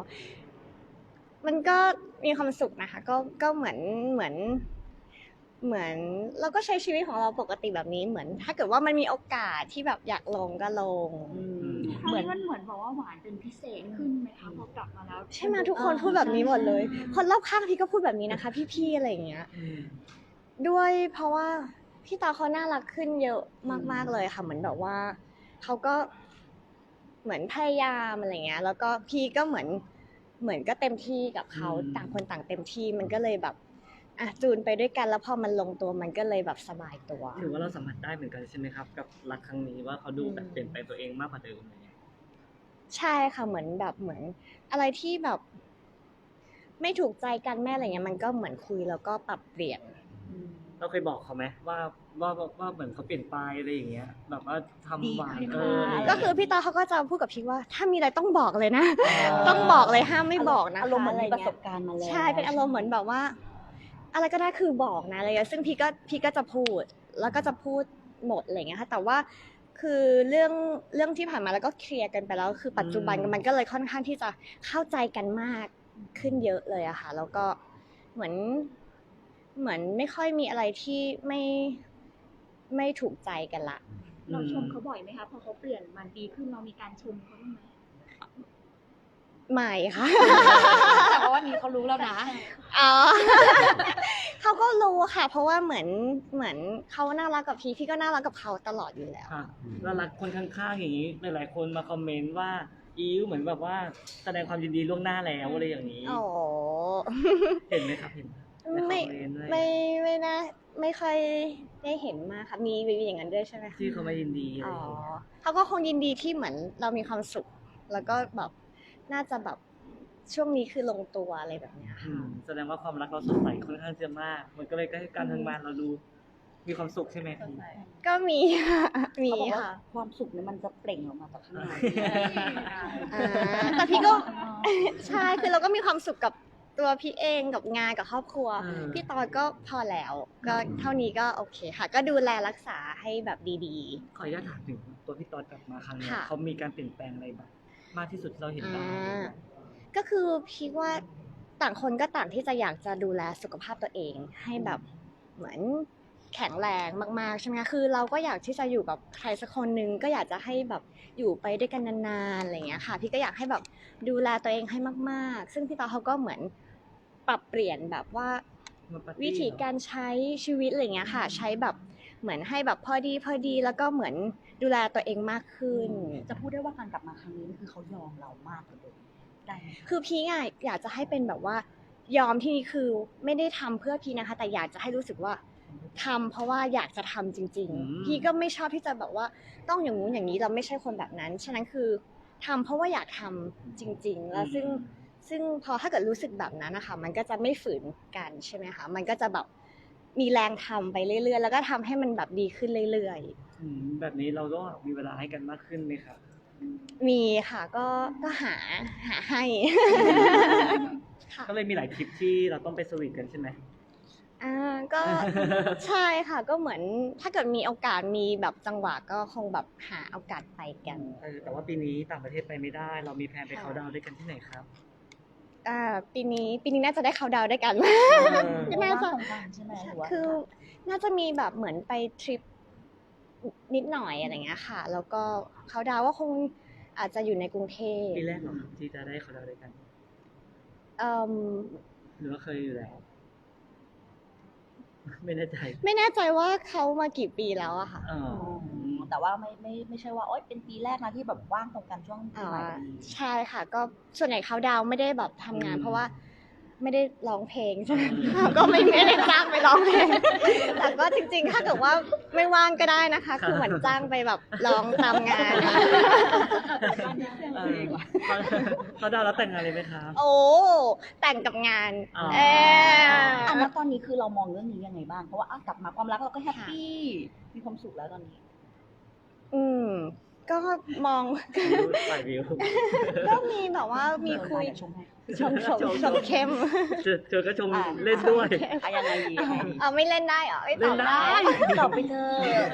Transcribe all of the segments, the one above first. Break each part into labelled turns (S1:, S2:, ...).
S1: มันก็มีความสุขนะคะก็เหมือนเราก็ใช้ชีวิตของเราปกติแบบนี้เหมือนถ้าเกิดว่ามันมีโอกาสที่แบบอยากลงก็ลง
S2: เหมือนมันเหมือนบอกว่าหวานเป็นพิเศษขึ้นไหมคะพอกลับมาแล้ว
S1: ใช่ไหมทุกคนพูดแบบนี้หมดเลยคนรอบข้างพี่ก็พูดแบบนี้นะคะพี่ๆอะไรอย่างเงี้ยด้วยเพราะว่าพี่ตาเขาน่ารักขึ้นเยอะมากๆเลยค่ะเหมือนแบบว่าเขาก็เหมือนพยายามอะไรเงี้ยแล้วก็พี่ก็เหมือนก็เต็มที่กับเขาต่างคนต่างเต็มที่มันก็เลยแบบจูนไปด้วยกันแล้วพอมันลงตัวมันก็เลยแบบสบายตัว
S3: ถือว่าเราสัมผัสได้เหมือนกันใช่ไหมครับกับรักครั้งนี้ว่าเขาดูแบบเปลี่ยนแปลงตัวเองมากกว่าเดิมเลย
S1: ใช่ค่ะเหมือนอะไรที่แบบไม่ถูกใจกันแม่อะไรเงี้ยมันก็เหมือนคุยแล้วก็ปรับเปลี่ยน
S3: เราเคยบอกเขาไหมว่าเหมือนเขาเปลี่ยนไปอะไรอย่างเงี้ยแบบว่าทำหวาน
S1: ก็คือพี่ตาเขาก็จะพูดกับพี่ว่าถ้ามีอะไรต้องบอกเลยนะต้องบอกเลยห้ามไม่บอกนะคะ
S4: อารมณ์เหมือนมีประสบการณ์มาแล้ว
S1: ใช่เป็นอารมณ์เหมือนแบบว่าอะไรก็ได้คือบอกนะอะไรเงี้ยซึ่งพี่ก็จะพูดแล้วก็จะพูดหมดอะไรเงี้ยค่ะแต่ว่าคือเรื่องที่ผ่านมาแล้วก็เคลียร์กันไปแล้วคือปัจจุบันมันก็เลยค่อนข้างที่จะเข้าใจกันมากขึ้นเยอะเลยอะค่ะแล้วก็เหมือนไม่ค่อยมีอะไรที่ไม่ถูกใจกันละ
S2: เราชมเขาบ่อยไหมคะพอเขาเปลี่ยนมันดีขึ้นเรามีการชมเขาบ้างไหม
S1: ไม่ค่ะ
S4: แต่ว่าวันนี้เขารู้แล้วนะ
S1: อ๋อ เขาก็รู้ค่ะเพราะว่าเหมือนเขาน่ารักกับพี่ก็น่ารักกับเขาตลอดอยู่แล้ว
S3: แล้วรักคนข้างๆอย่างนี้หลายๆคนมาคอมเมนต์ว่าอิ๊วเหมือนแบบว่าแสดงความยินดีล่วงหน้าแล้วอะไรอย่างนี้
S1: อ๋อ
S3: เห็นไหมครับเห็น
S1: ไม่น่าไม่ค่อยได้เห็นมากค่ะมีอย่างนั้นด้วยใช่ไหมคะ
S3: ที่เขามายินดีอะไร
S1: อ๋อ
S3: อย่างเงี้ย
S1: เขาก็คงยินดีที่เหมือนเรามีความสุขแล้วก็แบบน่าจะแบบช่วงนี้คือลงตัวอะไรแบบเนี้ยค่ะ
S3: แสดงว่าความรักเราสดใสค่อนข้างจะมากมันก็เลยให้การทำงานเราดูมีความสุขใช่ไหม
S1: ก็มีค่ะมีค่ะ
S4: ความสุขเนี่ยมันจะเปล่งออกมาจากข้างใน
S1: แต่พี่ก็ใช่คือเราก็มีความสุขกับตัวพี่เองกับงานกับครอบครัวพี่ตอนก็พอแล้วก็เท่านี้ก็โอเคค่ะก็ดูแลรักษาให้แบบดี
S3: ๆขออนุญาตถามถึงตัวพี่ตอนกลับมาครั้งนี้เขามีการเปลี่ยนแปลงอะไรบ้างมากที่สุดเราเห็นบ้าง
S1: ก็คือพี่ว่าต่างคนก็ต่างที่จะอยากจะดูแลสุขภาพตัวเองให้แบบเหมือนแข็งแรงมากๆใช่ไหมคะคือเราก็อยากที่จะอยู่กับใครสักคนนึงก็อยากจะให้แบบอยู่ไปด้วยกันนานๆอะไรอย่างเงี้ยค่ะพี่ก็อยากให้แบบดูแลตัวเองให้มากๆซึ่งพี่ตาเขาก็เหมือนปรับเปลี่ยนแบบว่าวิธีการใช้ชีวิตอะไรเงี้ยค่ะใช้แบบเหมือนให้แบบพอดีแล้วก็เหมือนดูแลตัวเองมากขึ้น
S4: จะพูดได้ว่าการกลับมาครั้งนี้คือเขายอมเรามากกว่าเดิม
S1: คือพี่อยากจะให้เป็นแบบว่ายอมที่นี่คือไม่ได้ทำเพื่อพี่นะคะแต่อยากจะให้รู้สึกว่าทำเพราะว่าอยากจะทำจริงๆพี่ก็ไม่ชอบที่จะแบบว่าต้องอย่างงู้นอย่างนี้เราไม่ใช่คนแบบนั้นฉะนั้นคือทำเพราะว่าอยากทำจริงๆแล้วซึ่งพอถ้าเกิดรู้สึกแบบนั้นนะคะมันก็จะไม่ฝืนกันใช่ไหมคะมันก็จะแบบมีแรงทำไปเรื่อยๆแล้วก็ทำให้มันแบบดีขึ้นเรื่อย
S3: ๆแบบนี้เราก็มีเวลาให้กันมากขึ้นไหมครับ
S1: มีค่ะก็หาให้
S3: ก็เลยมีหลายทริปที่เราต้องไปสวีทกันใช่ไหม
S1: ก็ใช่ค่ะก็เหมือนถ้าเกิดมีโอกาสมีแบบจังหวะก็คงแบบหาโอกาสไปกัน
S3: แต่ว่าปีนี้ต่างประเทศไปไม่ได้เรามีแพลนไปเขาดาวด้วยกันที่ไหนครับ
S1: ปีนี้น่าจะได้เขาดาวด้วยกัน
S4: ก็น่าจะใช่ไหม
S1: คือน่าจะมีแบบเหมือนไปทริปนิดหน่อยอะไรเงี้ยค่ะแล้วก็เขาดาวว่าคงอาจจะอยู่ในกรุงเทพ
S3: ปีแรกเหรอครับที่จะได้เขาดาวด้วยกันหรือว่าเคยอยู่แล้วไม่แน่ใจ
S1: ว่าเขามากี่ปีแล้วอะค่ะ
S4: แต่ว่าไม่ใช่ว่าโอ๊ยเป็นปีแรกนะที่แบบว่างตรงกันช่วงปีใหม่
S1: ใช่ค่ะก็ส่วนใหญ่เขาดาวไม่ได้แบบทำงานเพราะว่าไม่ได้ร้องเพลงใช่ไหมก็ไม่ได้จ้างไปร้องเพลงแต่ก็จริงๆถ้าเกิดว่าไม่ว่างก็ได้นะคะคือเหมือนจ้างไปแบบร้องตามงาน
S3: เขาดาวแล้วแต่งงานเลยไหมคะ
S1: โอ้แต่งกับงาน
S4: แล้วตอนนี้คือเรามองเรื่องนี้ยังไงบ้างเพราะว่ากลับมาความรักเราก็แฮปปี้มีความสุขแล้วตอนนี้
S1: ก็มองก็มีแบบว่ามีคุยชมเข้ม
S3: เธอก็ชมเล่นด้วย
S4: ยังไงดี
S1: ไม่เล่นได้เหรอไม่ตอบได้
S4: ตอบไปเถอะ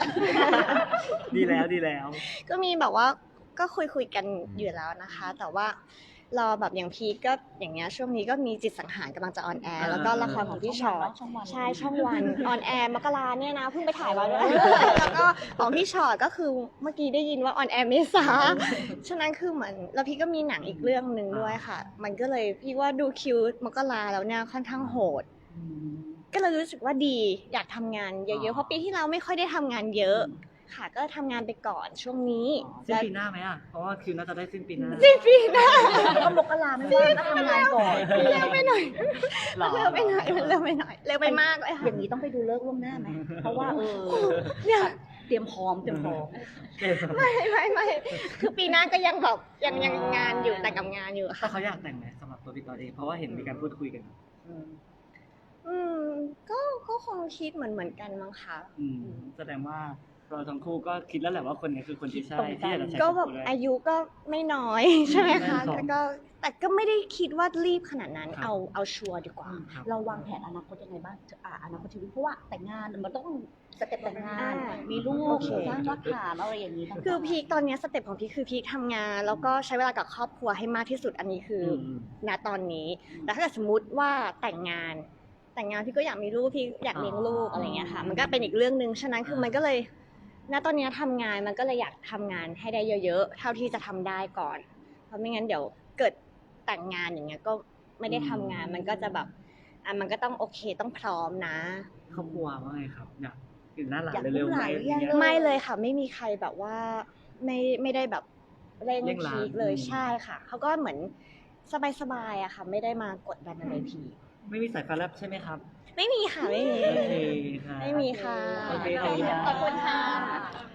S3: ดีแล้ว
S1: ก็มีแบบว่าก็คุยกันอยู่แล้วนะคะแต่ว่ารอแบบอย่างพีคก็อย่างเงี้ยช่วงนี้ก็มีจิตสังหารกำลังจะออนแอร์แล้วก็ละครของพี่ชอต
S4: ช่องวัน
S1: ใช่ช่องวันออนแอร์มกราเนี่ยนะเพิ่งไปถ่ายมาด้วย แล้วก็ของพี่ชอตก็คือเมื่อกี้ได้ยินว่าออนแอร์เมษาฉะนั้นคือเหมือนแล้วพี่ก็มีหนังอีกเรื่องหนึ่งด้วยค่ะ มันก็เลยพี่ว่าดูคิวมกราแล้วเนี่ยค่อนข้างโหด ก็เลยรู้สึกว่าดีอยากทำงานเยอะๆเพราะปีที่แล้วไม่ค่อยได้ทำงานเยอะค่ะก็ทำงานไปก่อนช่วงนี้
S3: สิ้นปีหน้าไหมอ่ะเพราะว่าคิวน่าจะได้สิ้นปีหน้า
S1: ปีหน้า
S4: ก็มกราไม่ว่างก็ทำงานก่อน
S1: เร็วไปหน่อย
S3: หรอ
S1: เร็วไปหน่อยมันเร็วไปหน่อยเร็วไปมากเลยค่ะ
S4: อย่างนี้ต้องไปดูเลิกษ์ล่วงหน้าไหมเพราะว่า
S1: เนี่ย
S4: เตรียมพร้อม
S1: ไม่คือปีหน้าก็ยังแบบยังงานอยู่แต่กับงานอยู่
S3: แต่
S1: ค่ะ
S3: เขาอยากแต่งไหมสำหรับตัวพี่ตอนเองเพราะว่าเห็นมีการพูดคุยกัน
S1: ก็คงคิดเหมือนกันมั้งคะ
S3: แสดงว่าเราทั้งคู่ก็คิดแล้วแหละว่าคนนี้คือคนที่ใช่
S4: ตรงกัน
S3: ที่อยากจะใช้
S1: ก็
S3: ชีวิต
S1: แบบ
S3: คู่ด้วย
S1: อายุก็ไม่น้อย ใช่ไหมคะ
S3: ไม่น้อย
S1: แต่ก็ไม่ได้คิดว่ารีบขนาดนั้น
S3: ครับ
S1: เอาชัวร์ดีกว่า
S3: ครับ
S4: เราวางแผนอนาคตยังไงบ้างอนาคตชีวิตเพราะว่าแต่งงานมันต้องสเต็ปแต่งงาน มีลู
S1: โอก เค
S4: สร้างรากฐานอะไรอย่างนี้ต่างๆ
S1: คือพีคตอนเนี้ยสเต็ปของพีคคือพีคทำงาน แล้วก็ใช้เวลากับครอบครัวให้มากที่สุดอันนี้คืออ
S3: ม
S1: ณตอนนี้แต่ถ้าเกิดสมมติว่าแต่งงานพี่ก็อยากมีลูกพี่อยากเลี้ยงลูกอะไรเงี้ยค่ะ มันก็เป็นอีกเรื่องหนึ่งฉะนั้นคือมันก็เลย ณตอนเนี้ยทำงานมันก็เลยอยากทำงานให้ได้เยอะๆเท่าที่จะทำได้ก่อน เพราะไม่งั้นเดี๋ยวเกิดแต่งงานอย่างเงี้ยก็ไม่ได้ทำงานมันก็จะแบบมันก็ต้องโอเคต้องพร้อมนะ
S3: ครอบครัวว่าไงครับอยากเห็นหน้าหลาน
S4: อยาก
S3: เร็วๆ
S4: ลูก
S3: ไห
S4: ห
S3: ม
S4: ลานหรือ
S3: อะไร
S4: ยัง
S3: เงี้ย
S1: ไม่เลยค่ะไม่มีใครแบบว่าไม่ได้แบบเร่ง
S3: เร่งรัด
S1: พีคเลย
S3: อืม
S1: ใช่ค่ะเขาก็เหมือนสบายๆอะค่ะ ไม่ได้มากดดันอะไรพีค
S3: ไม่มีสายฟ้าแลบใช่ไหมครับ
S1: ไม่มีค่ะไม่มี
S3: โอเคค่ะ
S1: ไม่มีค่ะ
S3: โอเคขอบคุณครับ
S1: ขอบคุณค่ะ